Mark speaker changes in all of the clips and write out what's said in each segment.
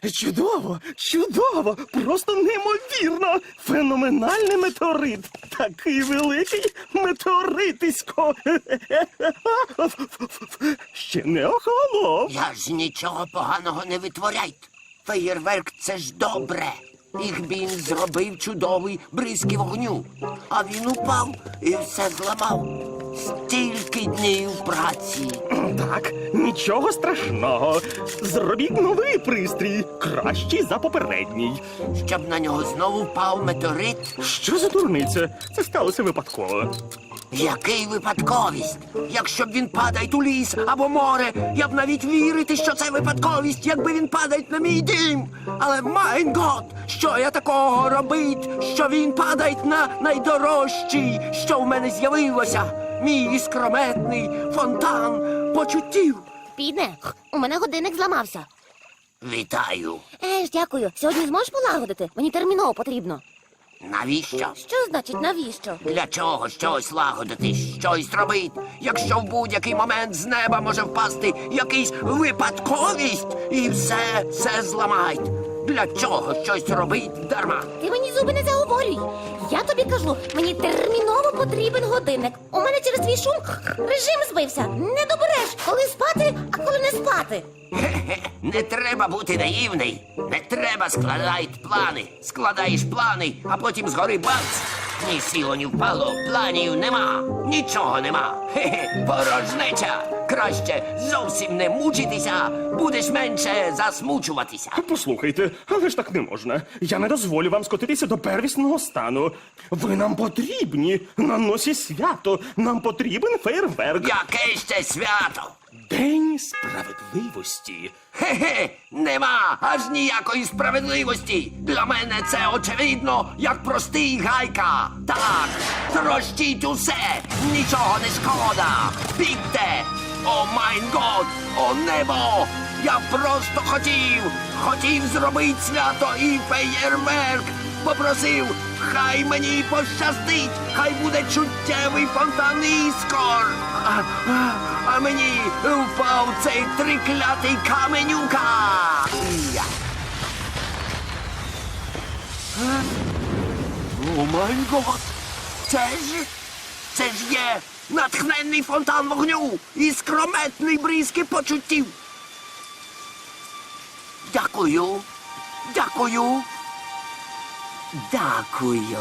Speaker 1: Чудово, чудово, просто неймовірно. Феноменальний метеорит. Такий великий метеоритисько. Ще не охолонув.
Speaker 2: Я ж нічого поганого не витворяйте. Феєрверк – це ж добре. Ігбін зробив чудовий бризки вогню. А він упав і все зламав. Стільки днів праці.
Speaker 1: Так, нічого страшного. Зробіть новий пристрій, кращий за попередній.
Speaker 2: Щоб на нього знову впав метеорит.
Speaker 1: Що за дурниця? Це сталося випадково.
Speaker 2: Який випадковість? Якщо б він падає у ліс або море, я б навіть вірити, що це випадковість, якби він падає на мій дім. Але, майн гот, що я такого робить, що він падає на найдорожчий, що в мене з'явилося? Мій іскрометний фонтан почуттів.
Speaker 3: Піде, у мене годинник зламався.
Speaker 2: Вітаю.
Speaker 3: Дякую. Сьогодні зможеш полагодити? Мені терміново потрібно.
Speaker 2: Навіщо?
Speaker 3: Що значить навіщо?
Speaker 2: Для чого щось лагодити, щось робити, якщо в будь-який момент з неба може впасти якийсь випадковість і все зламають? Для чого щось робить дарма?
Speaker 3: Ти мені зуби не заговорюй. Я тобі кажу, мені терміново потрібен годинник. У мене через твій шум режим збився. Не добереш, коли спати, а коли не спати.
Speaker 2: Хе-хе, не треба бути наївний. Не треба складати плани. Складаєш плани, а потім згори бац. Ні сіло, ні впало, планів нема, нічого нема. Хе-хе, порожнеча. Краще зовсім не мучитися, будеш менше засмучуватися.
Speaker 1: Послухайте, але ж так не можна. Я не дозволю вам скотитися до первісного стану. Ви нам потрібні. На носі свято. Нам потрібен фейерверк.
Speaker 2: Яке ще свято?
Speaker 1: День справедливості.
Speaker 2: Хе-хе, нема аж ніякої справедливості. Для мене це очевидно, як простий гайка. Так, трощіть усе, нічого не шкода. Бігте! О майн год, о небо! Я просто хотів зробити свято і феєрверк. Попросив, хай мені пощастить, хай буде чуттєвий фонтан іскор. А мені впав цей триклятий каменюка. Я. О май гот! Це ж є натхненний фонтан вогню і скрометний бризки почуттів. Дякую. Дякую. Дякую.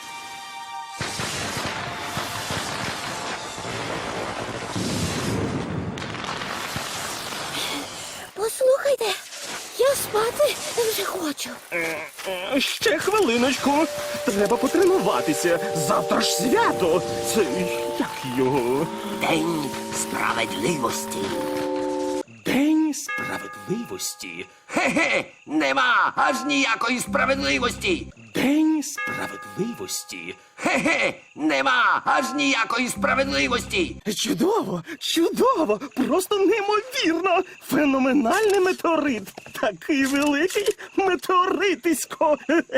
Speaker 3: Послухайте, я спати вже хочу.
Speaker 1: Ще хвилиночку. Треба потренуватися. Завтра ж свято. Це як його?
Speaker 2: День справедливості.
Speaker 1: День справедливості.
Speaker 2: Хе-хе, нема аж ніякої справедливості.
Speaker 1: День справедливості.
Speaker 2: Хе-хе, нема аж ніякої справедливості.
Speaker 1: Чудово, чудово, просто неймовірно. Феноменальний метеорит. Такий великий метеоритисько.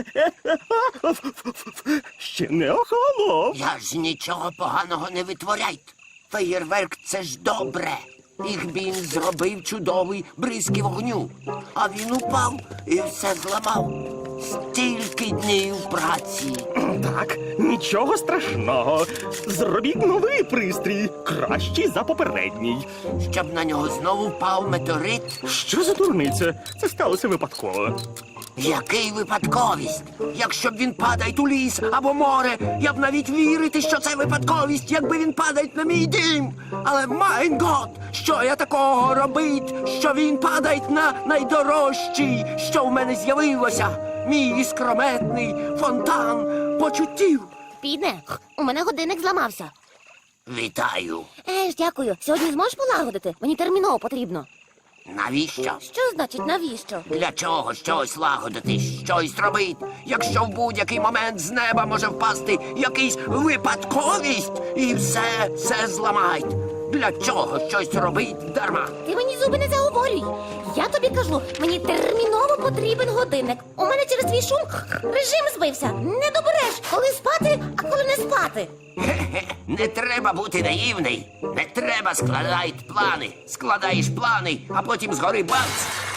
Speaker 1: Ще не охолонув.
Speaker 2: Я ж нічого поганого не витворяйте. Феєрверк – це ж добре. Ігбін зробив чудовий бризки вогню. А він упав і все зламав. Стільки днів праці.
Speaker 1: Так, нічого страшного. Зробіть новий пристрій, кращий за попередній.
Speaker 2: Щоб на нього знову впав метеорит.
Speaker 1: Що за дурниця? Це сталося випадково.
Speaker 2: Який випадковість? Якщо б він падає у ліс або море, я б навіть вірити, що це випадковість, якби він падає на мій дім. Але, майн гот, що я такого робить, що він падає на найдорожчий, що в мене з'явилося? Мій іскрометний фонтан почуттів.
Speaker 3: Піде, у мене годинник зламався.
Speaker 2: Вітаю.
Speaker 3: Дякую. Сьогодні зможеш полагодити? Мені терміново потрібно.
Speaker 2: Навіщо?
Speaker 3: Що значить навіщо?
Speaker 2: Для чого щось лагодити, щось робити, якщо в будь-який момент з неба може впасти якийсь випадковість і все зламають? Для чого щось робить дарма?
Speaker 3: Ти мені зуби не заговорюй. Я тобі кажу, мені терміново потрібен годинник. У мене через твій шум режим збився. Не добереш, коли спати, а коли не спати.
Speaker 2: Хе-хе, не треба бути наївний. Не треба складати плани. Складаєш плани, а потім згори бац.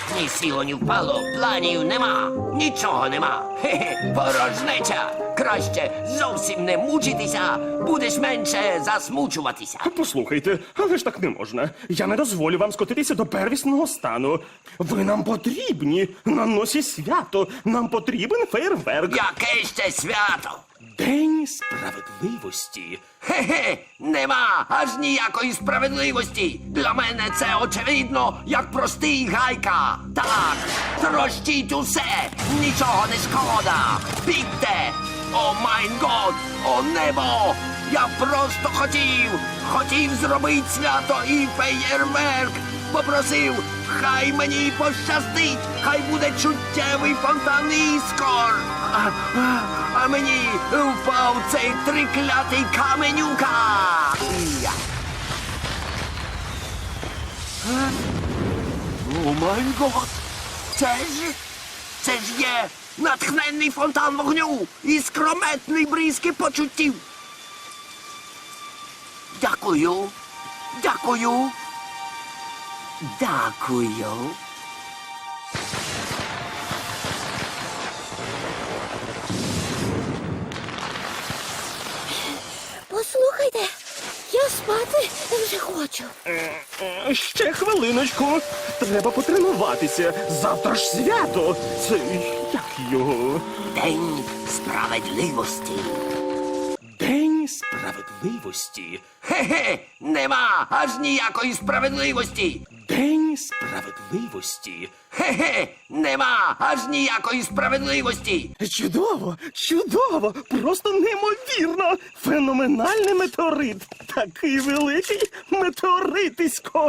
Speaker 2: Ні сіло, ні впало, планів нема, нічого нема. Хе-хе, порожнеча. Краще зовсім не мучитися, будеш менше засмучуватися.
Speaker 1: Послухайте, але ж так не можна. Я не дозволю вам скотитися до первісного стану. Ви нам потрібні на носі свято. Нам потрібен фейерверк.
Speaker 2: Яке ще свято?
Speaker 1: День справедливості.
Speaker 2: Хе-хе, нема аж ніякої справедливості. Для мене це очевидно, як простий гайка. Так, трощіть усе, нічого не шкода. Бігте! О майн год, о небо! Я просто хотів зробити свято і феєрверк. Попросив, хай мені пощастить, хай буде чуттєвий фонтан іскор. А мені впав цей триклятий каменюка. Я. О май гот! Це ж є натхненний фонтан вогню і скрометний бризки почуттів. Дякую. Дякую. Дякую.
Speaker 3: Послухайте, я спати вже хочу.
Speaker 1: Ще хвилиночку. Треба потренуватися. Завтра ж свято. Це як його?
Speaker 2: День справедливості.
Speaker 1: День справедливості.
Speaker 2: Хе-хе, нема аж ніякої справедливості.
Speaker 1: День справедливості.
Speaker 2: Хе-хе, нема аж ніякої справедливості.
Speaker 1: Чудово, чудово, просто неймовірно. Феноменальний метеорит. Такий великий метеоритисько.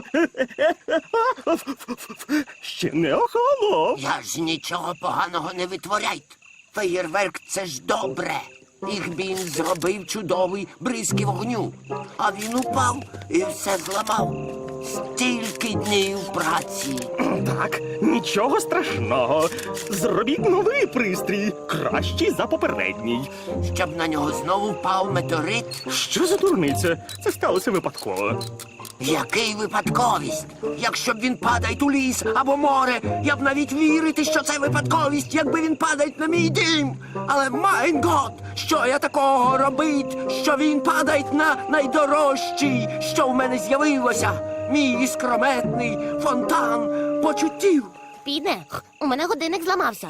Speaker 1: Ще не охолонув.
Speaker 2: Я ж нічого поганого не витворяйте. Феєрверк — це ж добре. Їх він зробив чудовий бризки вогню. А він упав і все зламав. Стільки днів праці.
Speaker 1: Так, нічого страшного. Зробіть новий пристрій, кращий за попередній.
Speaker 2: Щоб на нього знову впав метеорит.
Speaker 1: Що за дурниця? Це сталося випадково.
Speaker 2: Який випадковість? Якщо б він падає у ліс або море, я б навіть вірити, що це випадковість, якби він падає на мій дім. Але майн гот, що я такого робить, що він падає на найдорожчий, що в мене з'явилося? Мій іскрометний фонтан почуттів.
Speaker 3: Підне, у мене годинник зламався.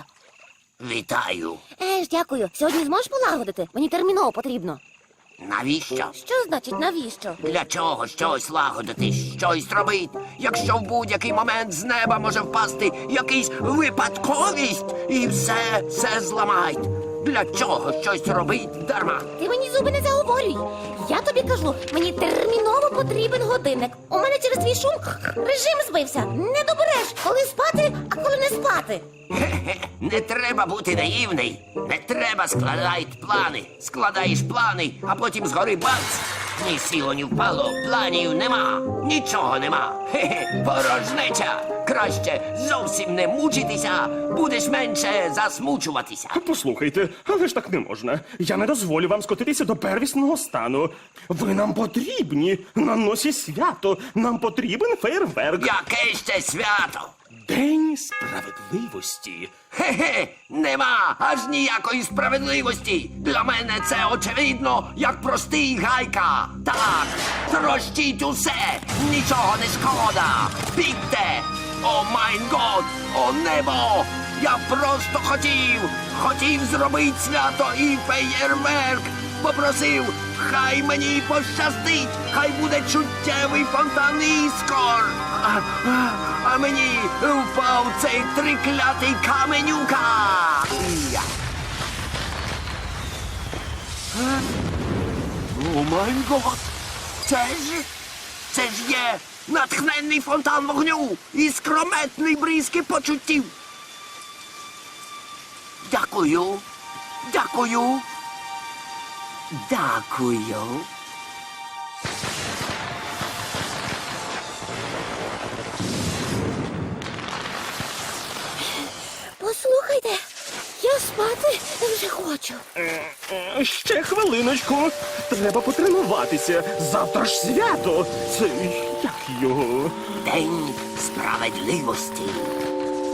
Speaker 2: Вітаю.
Speaker 3: Дякую. Сьогодні зможеш полагодити? Мені терміново потрібно.
Speaker 2: Навіщо?
Speaker 3: Що значить навіщо?
Speaker 2: Для чого щось лагодити, щось робить, якщо в будь-який момент з неба може впасти якийсь випадковість і все зламають? Для чого щось робить дарма?
Speaker 3: Ти мені зуби не заговорюй. Я тобі кажу, мені терміново потрібен годинник. У мене через твій шум режим збився. Не добереш, коли спати, а коли не спати.
Speaker 2: Хе-хе, не треба бути наївний. Не треба складати плани. Складаєш плани, а потім згори бац. Ні сіло, ні впало, планів нема, нічого нема. Хе-хе, порожнеча. Краще зовсім не мучитися, будеш менше засмучуватися.
Speaker 1: Послухайте, але ж так не можна. Я не дозволю вам скотитися до первісного стану. Ви нам потрібні на носі свято. Нам потрібен фейерверк.
Speaker 2: Яке ще свято?
Speaker 1: День справедливості.
Speaker 2: Хе-хе, нема аж ніякої справедливості. Для мене це очевидно, як простий гайка. Так, трощіть усе, нічого не шкода. Бігте! О майн год, о небо! Я просто хотів зробити свято і феєрверк. Попросив, хай мені пощастить, хай буде чуттєвий фонтан іскор. А мені впав цей триклятий каменюка. Я. О май гот! Це ж є натхненний фонтан вогню і скрометний бризки почуттів. Дякую. Дякую. Дякую.
Speaker 3: Послухайте, я спати вже хочу.
Speaker 1: Ще хвилиночку. Треба потренуватися. Завтра ж свято. Це як його?
Speaker 2: День справедливості.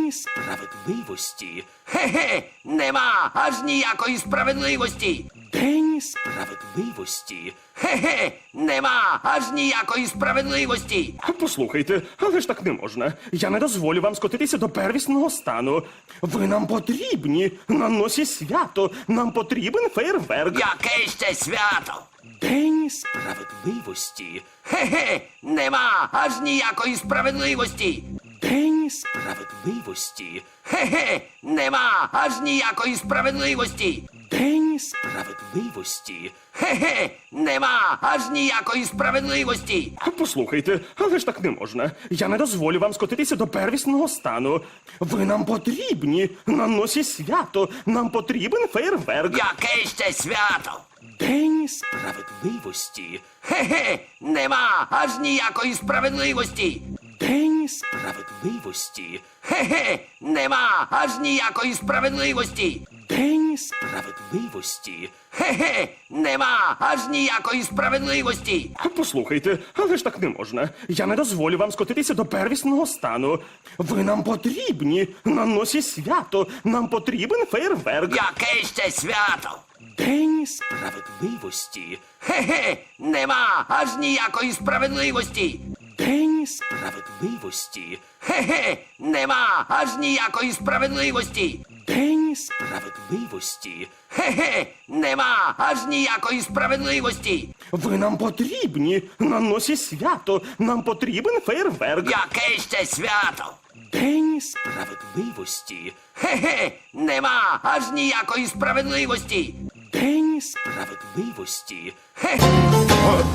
Speaker 2: Справедливості? Хе-хе, нема аж ніякої справедливості.
Speaker 1: День
Speaker 2: Справедливості? Хе-хе, нема аж ніякої справедливості.
Speaker 1: Послухайте, але ж так не можна. Я не дозволю вам скотитися до первісного стану. Ви нам потрібні на носі свято. Нам потрібен фейерверк.
Speaker 2: Яке ще свято?
Speaker 1: День
Speaker 2: Справедливості? Хе-хе, нема аж ніякої справедливості.
Speaker 1: День
Speaker 2: Справедливості? Хе-хе, нема аж ніякої справедливості.
Speaker 1: День
Speaker 2: Справедливості? Хе-хе, нема аж ніякої справедливості.
Speaker 1: Послухайте, але ж так не можна. Я не дозволю вам скотитися до первісного стану. Ви нам потрібні на носі свято. Нам потрібен фейерверк.
Speaker 2: Яке ще свято?
Speaker 1: День
Speaker 2: Справедливості? Хе-хе, нема аж ніякої справедливості.
Speaker 1: День
Speaker 2: Справедливості? Хе-хе, нема аж ніякої справедливості.
Speaker 1: День
Speaker 2: Справедливості? Хе-хе, нема аж ніякої справедливості.
Speaker 1: Послухайте, але ж так не можна. Я не дозволю вам скотитися до первісного стану. Ви нам потрібні на носі свято. Нам потрібен фейерверк.
Speaker 2: Яке ще свято?
Speaker 1: День
Speaker 2: Справедливості? Хе-хе, нема аж ніякої справедливості.
Speaker 1: День
Speaker 2: Справедливості? Хе-хе, нема аж ніякої справедливості.
Speaker 1: День
Speaker 2: Справедливості? Хе-хе, нема аж ніякої справедливості.
Speaker 1: Ви нам потрібні на носі свято. Нам потрібен фейерверк.
Speaker 2: Яке ще свято?
Speaker 1: День
Speaker 2: Справедливості? Хе-хе, нема аж ніякої справедливості.
Speaker 1: День
Speaker 2: Справедливості? Хе-хе.